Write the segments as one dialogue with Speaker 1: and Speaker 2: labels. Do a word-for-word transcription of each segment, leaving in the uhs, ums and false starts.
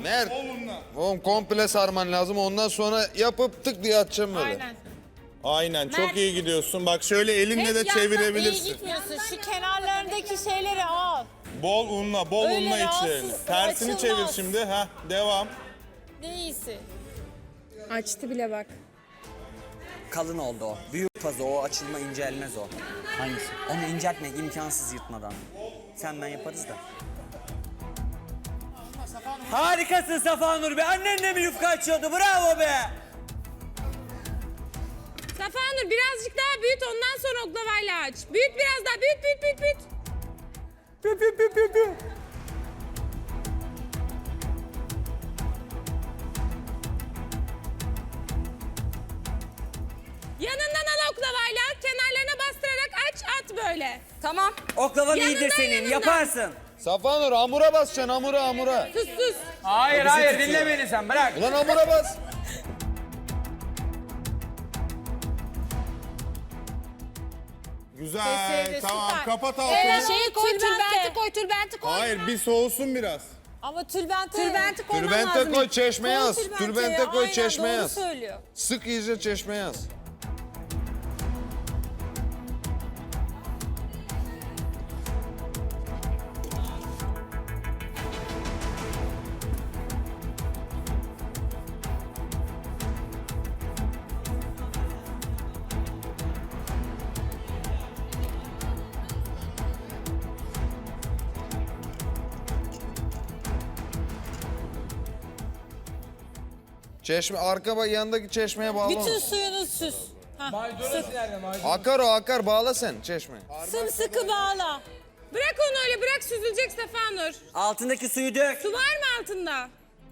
Speaker 1: Mert. Oğlum komple sarman lazım. Ondan sonra yapıp tık diye atacağım böyle.
Speaker 2: Aynen.
Speaker 3: Aynen çok iyi gidiyorsun. Bak şöyle elinle de
Speaker 2: İyi
Speaker 3: çevirebilirsin.
Speaker 2: gitmiyorsun. Şu kenarlarındaki şeyleri al.
Speaker 3: Bol unla, bol
Speaker 2: Öyle
Speaker 3: unla
Speaker 2: rahatsız,
Speaker 3: içlerini. Tersini
Speaker 2: açılmaz.
Speaker 3: çevir şimdi. Heh, devam.
Speaker 2: Ne iyisi.
Speaker 4: Açtı bile bak.
Speaker 5: Kalın oldu o. Büyük fazla o açılma incelmez o.
Speaker 6: Hangisi?
Speaker 5: Onu inceltmek imkansız yırtmadan. Sen ben yaparız da. Harikasın Safa Nur be. Annen de mi yufka açıyordu? Bravo be.
Speaker 4: Safa Nur birazcık daha büyüt ondan sonra oklavayla aç. Büyüt biraz daha büyüt büyüt büyüt büyüt.
Speaker 5: Pü pü pü pü pü.
Speaker 4: Yanından al oklavayla kenarlarına bastırarak aç at böyle. Tamam.
Speaker 5: Oklavan
Speaker 4: Yanından,
Speaker 5: iyidir senin.
Speaker 4: yanından.
Speaker 5: Yaparsın.
Speaker 1: Safa Nur hamura basacaksın hamura hamura.
Speaker 4: Sus sus.
Speaker 6: Hayır hayır dinle beni sen bırak.
Speaker 1: Ulan hamura bas.
Speaker 3: Güzel.
Speaker 2: Kesildi,
Speaker 3: Tamam
Speaker 2: süper.
Speaker 3: kapat altını.
Speaker 2: Evet, şeyi koy,
Speaker 4: Tülbenti
Speaker 2: tülbente.
Speaker 4: koy tülbenti koy.
Speaker 3: Hayır bir soğusun biraz.
Speaker 2: Ama tülbente.
Speaker 4: Tülbenti koyman
Speaker 1: Tülbente
Speaker 4: lazım.
Speaker 1: koy çeşmeye
Speaker 2: Koy
Speaker 1: yaz.
Speaker 2: tülbenteyi,
Speaker 1: Tülbente koy
Speaker 2: aynen,
Speaker 1: çeşmeye
Speaker 2: doğru
Speaker 1: yaz.
Speaker 2: söylüyor.
Speaker 1: Sık iyice çeşmeye yaz. Çeşme arka bak yanındaki çeşmeye bağla onu.
Speaker 2: Bütün suyunu süs. Hah,
Speaker 6: Maydanoz nerede maydanoz?
Speaker 1: Akar o akar bağla sen çeşme.
Speaker 2: Sımsıkı bağla.
Speaker 4: Bırak onu öyle bırak süzülecek Safa Nur.
Speaker 5: Altındaki suyu dök.
Speaker 4: Su var mı altında?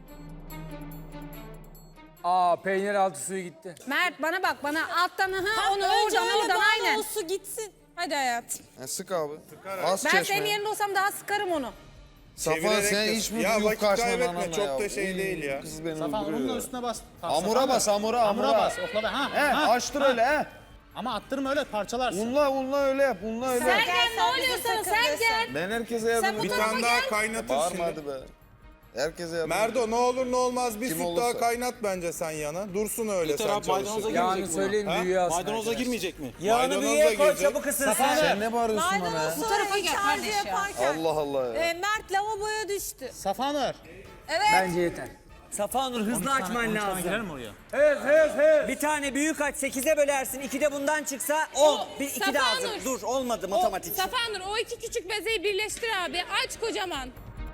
Speaker 6: Aa peynir altı suyu gitti.
Speaker 4: Mert bana bak bana alttan ha
Speaker 2: Ha,
Speaker 4: onu
Speaker 2: önce
Speaker 4: oradan
Speaker 2: öyle
Speaker 4: oradan
Speaker 2: bağla,
Speaker 4: aynen.
Speaker 2: o su gitsin.
Speaker 4: Hadi hayatım.
Speaker 1: Ha, sık abi. Az
Speaker 4: Ben
Speaker 1: çeşme.
Speaker 4: senin yerinde olsam daha sıkarım onu.
Speaker 1: Safa
Speaker 3: Çevirerek
Speaker 1: sen
Speaker 3: de-
Speaker 1: hiç mi
Speaker 3: Ya
Speaker 1: yok
Speaker 3: vakit
Speaker 1: kaçmadın
Speaker 3: kaybetme,
Speaker 1: anama
Speaker 3: çok
Speaker 1: ya.
Speaker 3: da şey
Speaker 1: Uy,
Speaker 3: değil ya.
Speaker 1: Kız beni
Speaker 7: Safa
Speaker 1: öldürüyor
Speaker 7: onun
Speaker 1: ya.
Speaker 7: üstüne bas.
Speaker 1: Hamura bas hamura hamura.
Speaker 7: Hamura bas oklava. Ha.
Speaker 1: He
Speaker 7: ha,
Speaker 1: açtır
Speaker 7: ha.
Speaker 1: öyle he.
Speaker 7: Ama attırma öyle parçalarsın.
Speaker 1: Unla unla öyle yap unla öyle yap.
Speaker 4: Sen gel ne oluyor sana sen gel.
Speaker 1: Ben herkese yardım
Speaker 3: Bir
Speaker 1: edeyim.
Speaker 3: tane daha kaynatır
Speaker 1: Bağırma
Speaker 3: şimdi.
Speaker 1: hadi be. Herkese yardım
Speaker 3: Merdo ne olur ne olmaz bir
Speaker 1: Kim
Speaker 3: süt
Speaker 1: olursa.
Speaker 3: daha kaynat bence sen yana. Dursun öyle
Speaker 8: Yeter
Speaker 3: sen
Speaker 8: abi, maydanoza
Speaker 3: çalışır.
Speaker 8: girmeyecek
Speaker 6: Yağını
Speaker 8: mi
Speaker 6: söyleyin
Speaker 3: Ha?
Speaker 6: büyüğü alsın.
Speaker 8: Maydanoza
Speaker 6: arkadaş.
Speaker 8: girmeyecek mi?
Speaker 5: Yağını
Speaker 3: Maydanoz da
Speaker 5: büyüğe koy
Speaker 3: girecek.
Speaker 5: çabuk ısınsın.
Speaker 1: Sen ne bağırıyorsun bana ya?
Speaker 2: Maydanoz
Speaker 4: Bu
Speaker 2: sonra
Speaker 4: tarafa gel
Speaker 2: iç
Speaker 4: kardeş
Speaker 2: harcı
Speaker 4: ya.
Speaker 2: yaparken.
Speaker 1: Allah Allah ya.
Speaker 2: E, Mert lavaboya düştü.
Speaker 7: Safa Nur.
Speaker 6: Bence yeter.
Speaker 5: Safa Nur hızlı açman
Speaker 7: Girer
Speaker 5: lazım.
Speaker 7: mi oraya?
Speaker 6: Hız hız hız.
Speaker 5: Bir tane büyük aç sekize bölersin. ikide bundan çıksa on.
Speaker 4: O,
Speaker 5: Bir iki
Speaker 4: Safa
Speaker 5: de hazır.
Speaker 4: Nur.
Speaker 5: Dur olmadı
Speaker 4: O,
Speaker 5: matematik.
Speaker 4: Safa Nur o iki küçük bezeyi birleştir abi. Aç kocaman.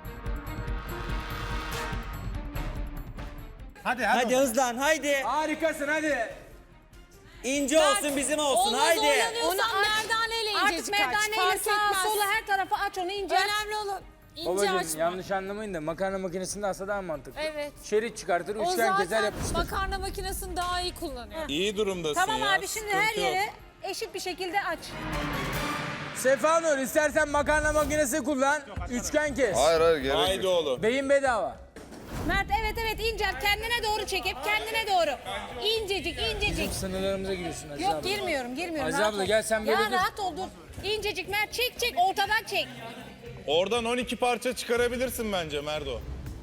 Speaker 7: Hadi hadi.
Speaker 5: Hadi hızlan haydi.
Speaker 6: Harikasın hadi.
Speaker 5: İnce olsun bizim olsun
Speaker 2: Onu
Speaker 5: haydi.
Speaker 2: zorlanıyorsan
Speaker 4: Onu aç.
Speaker 2: merdaneyle
Speaker 4: Artık
Speaker 2: incecik aç.
Speaker 4: merdaneyle
Speaker 2: Fark
Speaker 4: sağa
Speaker 2: etmez.
Speaker 4: sola her tarafa aç onu ince.
Speaker 2: Önemli olan ince
Speaker 6: Babacığım
Speaker 2: açma.
Speaker 6: yanlış anlamayın da makarna makinesinde aslında daha mantıklı.
Speaker 2: Evet.
Speaker 6: Şerit çıkartır,
Speaker 2: O
Speaker 6: üçgen keser
Speaker 2: zaten
Speaker 6: yapıştır.
Speaker 2: makarna makinesini daha iyi kullanıyor.
Speaker 3: İyi durumdasın
Speaker 4: Tamam
Speaker 3: ya.
Speaker 4: abi şimdi her
Speaker 3: sıkıntı yok.
Speaker 4: yere eşit bir şekilde aç.
Speaker 6: Sefa Nur istersen makarna makinesi kullan, üçgen kes.
Speaker 1: Hayır hayır gerek
Speaker 3: Haydi
Speaker 1: yok.
Speaker 3: oğlum.
Speaker 6: Beyin bedava.
Speaker 4: Mert evet evet incelt kendine doğru çek hep kendine doğru. İncecik incecik.
Speaker 6: Sınırlarımıza giriyorsun Aziz
Speaker 4: Yok
Speaker 6: abla.
Speaker 4: girmiyorum girmiyorum.
Speaker 6: Aziz
Speaker 4: rahat
Speaker 6: abla,
Speaker 4: ol.
Speaker 6: gel sen böyle
Speaker 4: Ya
Speaker 6: dur.
Speaker 4: rahat ol dur. İncecik Mert çek çek ortadan çek.
Speaker 3: Oradan on iki parça çıkarabilirsin bence Merdo.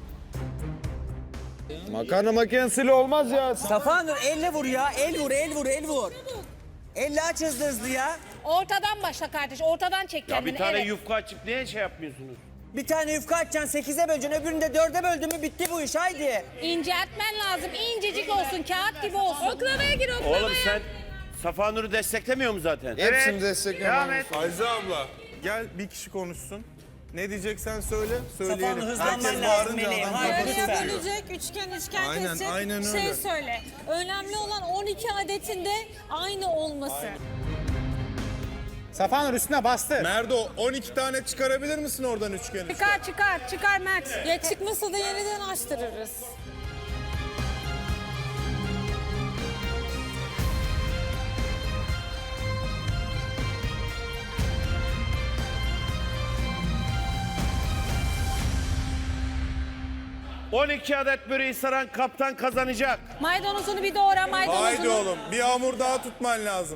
Speaker 1: Makarna makinesiyle olmaz ya.
Speaker 5: Safa Nur elle vur ya. El vur el vur el vur. Elle aç hızlı hızlı ya.
Speaker 4: Ortadan başla kardeş ortadan çek
Speaker 8: Ya
Speaker 4: kendini.
Speaker 8: bir tane
Speaker 4: evet.
Speaker 8: yufka açıp niye şey yapmıyorsunuz?
Speaker 5: Bir tane yufka açacaksın sekize böleceksin. Öbürünü de dörde böldün mü bitti bu iş haydi.
Speaker 4: İnceltmen lazım incecik olsun kağıt gibi olsun. Oklavaya gir oklavaya.
Speaker 8: Oğlum sen Safa Nur'u desteklemiyor mu zaten?
Speaker 1: Hepsini desteklemem.
Speaker 3: Ayza abla gel bir kişi konuşsun. Ne diyeceksen söyle,
Speaker 5: Safa Nur
Speaker 3: söyleyelim.
Speaker 5: hızlanman
Speaker 3: Herkes
Speaker 5: lazım
Speaker 3: bağırınca
Speaker 5: meleğim.
Speaker 3: adam
Speaker 5: Haydi
Speaker 3: kafası
Speaker 5: lütfen.
Speaker 3: tutuyor.
Speaker 2: Bölecek, üçgen üçgen
Speaker 3: Aynen,
Speaker 2: kesecek.
Speaker 3: aynen
Speaker 2: Şey
Speaker 3: öyle.
Speaker 2: söyle. Önemli olan on iki adetinde aynı olması.
Speaker 7: Safa Nur üstüne bastır.
Speaker 3: Merdo on iki tane çıkarabilir misin oradan üçgen üçgen?
Speaker 4: Çıkar çıkar çıkar Mert.
Speaker 2: Ya çıkmasa da yeniden açtırırız.
Speaker 8: on iki adet böreği saran kaptan kazanacak.
Speaker 4: Maydanozunu bir doğra maydanozunu.
Speaker 3: Haydi oğlum bir hamur daha tutman lazım.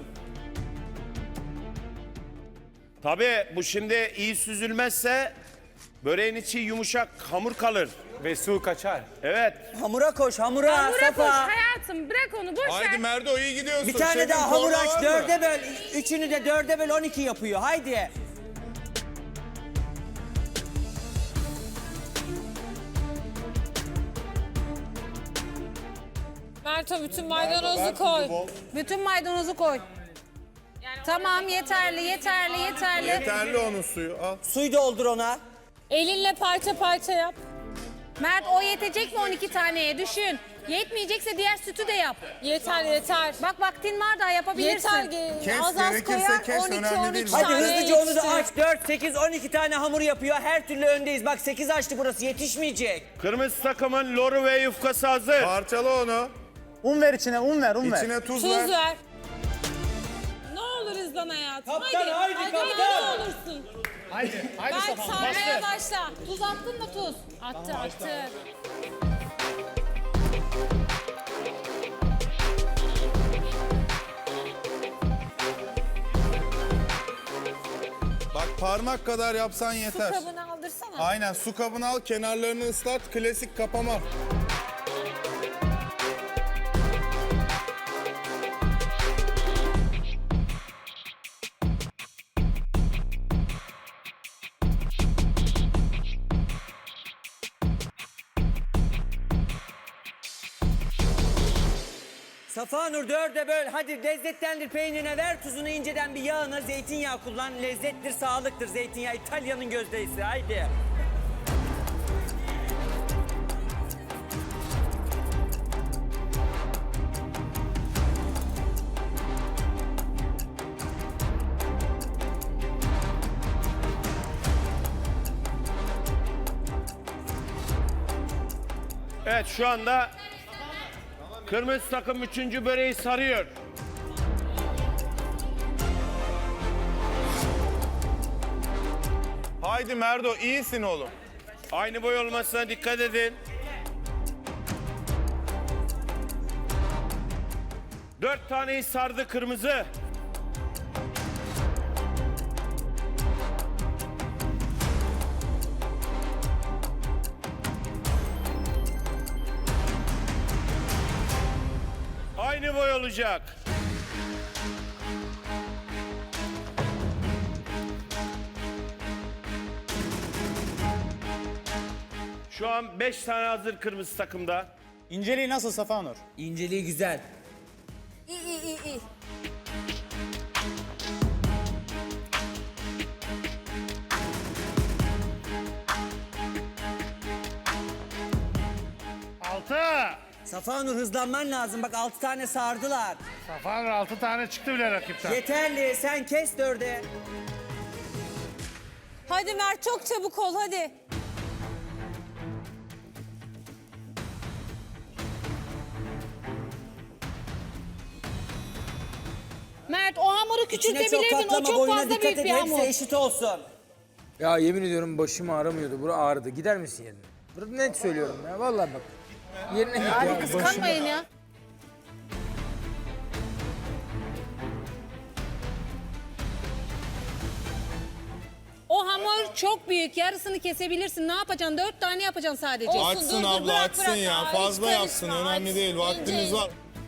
Speaker 8: Tabii bu şimdi iyi süzülmezse böreğin içi yumuşak hamur kalır.
Speaker 6: Ve su kaçar.
Speaker 8: Evet.
Speaker 5: Hamura koş hamura,
Speaker 4: Hamura koş
Speaker 5: Safa.
Speaker 4: hayatım. Bırak onu boş
Speaker 3: Haydi
Speaker 4: ver.
Speaker 3: Merdo iyi gidiyorsun.
Speaker 5: Bir tane
Speaker 3: Şefin
Speaker 5: daha hamur
Speaker 3: korna
Speaker 5: aç,
Speaker 3: var mı?
Speaker 5: dörde böl. Üçünü de dörde böl, on iki yapıyor. Haydi.
Speaker 2: Merto bütün maydanozu koy.
Speaker 4: Bütün maydanozu koy. Tamam yeterli yeterli yeterli.
Speaker 3: Yeterli onun suyu al.
Speaker 5: Suyu doldur ona.
Speaker 2: Elinle parça parça yap.
Speaker 4: Mert o yetecek mi on iki taneye düşün. Yetmeyecekse diğer sütü de yap.
Speaker 2: Yeter yeter.
Speaker 4: Bak vaktin var daha yapabilirsin.
Speaker 2: Yeter. ge-
Speaker 3: Kes,
Speaker 2: az az
Speaker 3: gerekirse
Speaker 2: koyar
Speaker 3: kes,
Speaker 2: on iki
Speaker 3: önemli
Speaker 2: on
Speaker 3: değil.
Speaker 2: üç
Speaker 5: Hadi
Speaker 2: tane
Speaker 5: hızlıca onu da
Speaker 2: yetiştir.
Speaker 5: aç. dört, sekiz, on iki tane hamur yapıyor. Her türlü öndeyiz. Bak sekiz açtı burası. Yetişmeyecek.
Speaker 8: Kırmızı takımın loru ve yufkası hazır.
Speaker 3: Parçala onu.
Speaker 7: Un ver içine, un ver, un ver.
Speaker 3: İçine tuz,
Speaker 2: Tuz
Speaker 3: ver.
Speaker 2: ver. Ne olur hızlan hayatım.
Speaker 5: Kaptan, haydi,
Speaker 2: hadi,
Speaker 5: kaptan.
Speaker 2: ne olursun.
Speaker 7: Haydi, haydi
Speaker 2: Berk
Speaker 7: Safa.
Speaker 2: sarmaya başla.
Speaker 4: Tuz attın mı tuz? Attı attı.
Speaker 3: Bak parmak kadar yapsan
Speaker 2: Su
Speaker 3: yeter.
Speaker 2: kabını aldırsana.
Speaker 3: Aynen su kabını al, kenarlarını ıslat, klasik kapama.
Speaker 5: Safa Nur dörde böl. Hadi lezzetlendir peynirine, ver tuzunu inceden bir yağına. Zeytinyağı kullan. Lezzettir, sağlıktır zeytinyağı. İtalya'nın gözdesi. Haydi.
Speaker 8: Evet şu anda kırmızı takım üçüncü böreği sarıyor.
Speaker 3: Haydi Merdo iyisin oğlum.
Speaker 8: Aynı boy olmasına dikkat edin. Dört taneyi sardı kırmızı. Aynı boy olacak. Şu an beş tane hazır kırmızı takımda.
Speaker 7: İnceliği nasıl Safa Nur?
Speaker 5: İnceliği güzel.
Speaker 2: İyi iyi iyi iyi.
Speaker 9: Altı.
Speaker 5: Safa Nur hızlanman lazım. Bak altı tane sardılar.
Speaker 9: Safa Nur altı tane çıktı bile rakipten.
Speaker 5: Yeterli. Sen kes dörde.
Speaker 2: Hadi Mert çok çabuk ol hadi.
Speaker 4: Mert o hamuru
Speaker 5: İçine çok
Speaker 4: küçültebilirdin. O
Speaker 5: katlama.
Speaker 4: çok
Speaker 5: Boyuna
Speaker 4: fazla
Speaker 5: dikkat
Speaker 4: büyük
Speaker 5: et.
Speaker 4: bir
Speaker 5: Hepsi
Speaker 4: hamur.
Speaker 5: eşit olsun.
Speaker 6: Ya yemin ediyorum başım ağrımıyordu. Bura ağrıdı. Gider misin yerine? Burada net söylüyorum ya. Vallahi bak. Yerine git ya.
Speaker 4: Kıskanmayın ya. O hamur çok büyük. Yarısını kesebilirsin. Ne yapacaksın? Dört tane yapacaksın sadece.
Speaker 2: Olsun,
Speaker 3: Açsın
Speaker 2: dur, dur,
Speaker 3: abla
Speaker 2: bırak,
Speaker 3: açsın
Speaker 2: bırak.
Speaker 3: ya.
Speaker 2: Aa, hiç
Speaker 3: Fazla
Speaker 2: karışma,
Speaker 3: yapsın önemli
Speaker 2: aç.
Speaker 3: değil. Vaktimiz
Speaker 2: İnce.
Speaker 3: var.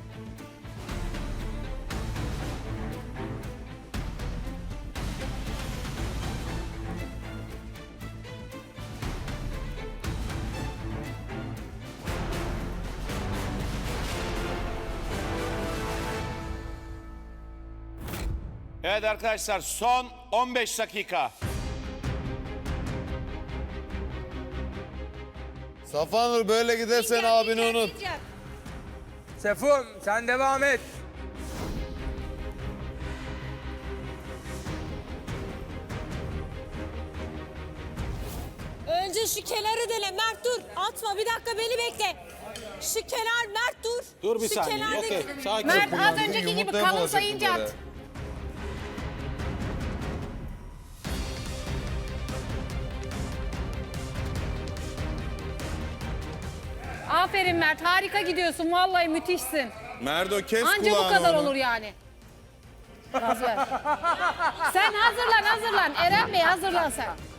Speaker 8: Evet arkadaşlar son on beş dakika.
Speaker 1: Safa Nur böyle gidersen
Speaker 4: İnce,
Speaker 1: abini
Speaker 4: ince,
Speaker 1: unut.
Speaker 4: ince.
Speaker 6: Sefum sen devam et.
Speaker 2: Önce şu kenarı dele Mert dur. Atma bir dakika beni bekle. Şu kenar Mert dur.
Speaker 7: Dur bir
Speaker 2: Şu
Speaker 7: saniye.
Speaker 2: kenardaki-
Speaker 7: Okey. Sakin.
Speaker 4: Mert az önceki gibi
Speaker 1: Yumurtaya
Speaker 4: kalın
Speaker 1: bulaşacak
Speaker 4: sayınca
Speaker 1: bu
Speaker 4: at.
Speaker 1: böyle.
Speaker 4: Aferin Mert harika gidiyorsun. Vallahi müthişsin.
Speaker 3: Merdo kes
Speaker 4: Anca bu
Speaker 3: kulağını
Speaker 4: kadar
Speaker 3: onu.
Speaker 4: olur yani. Gaz ver. Sen hazırlan hazırlan. Eren Bey hazırlan sen.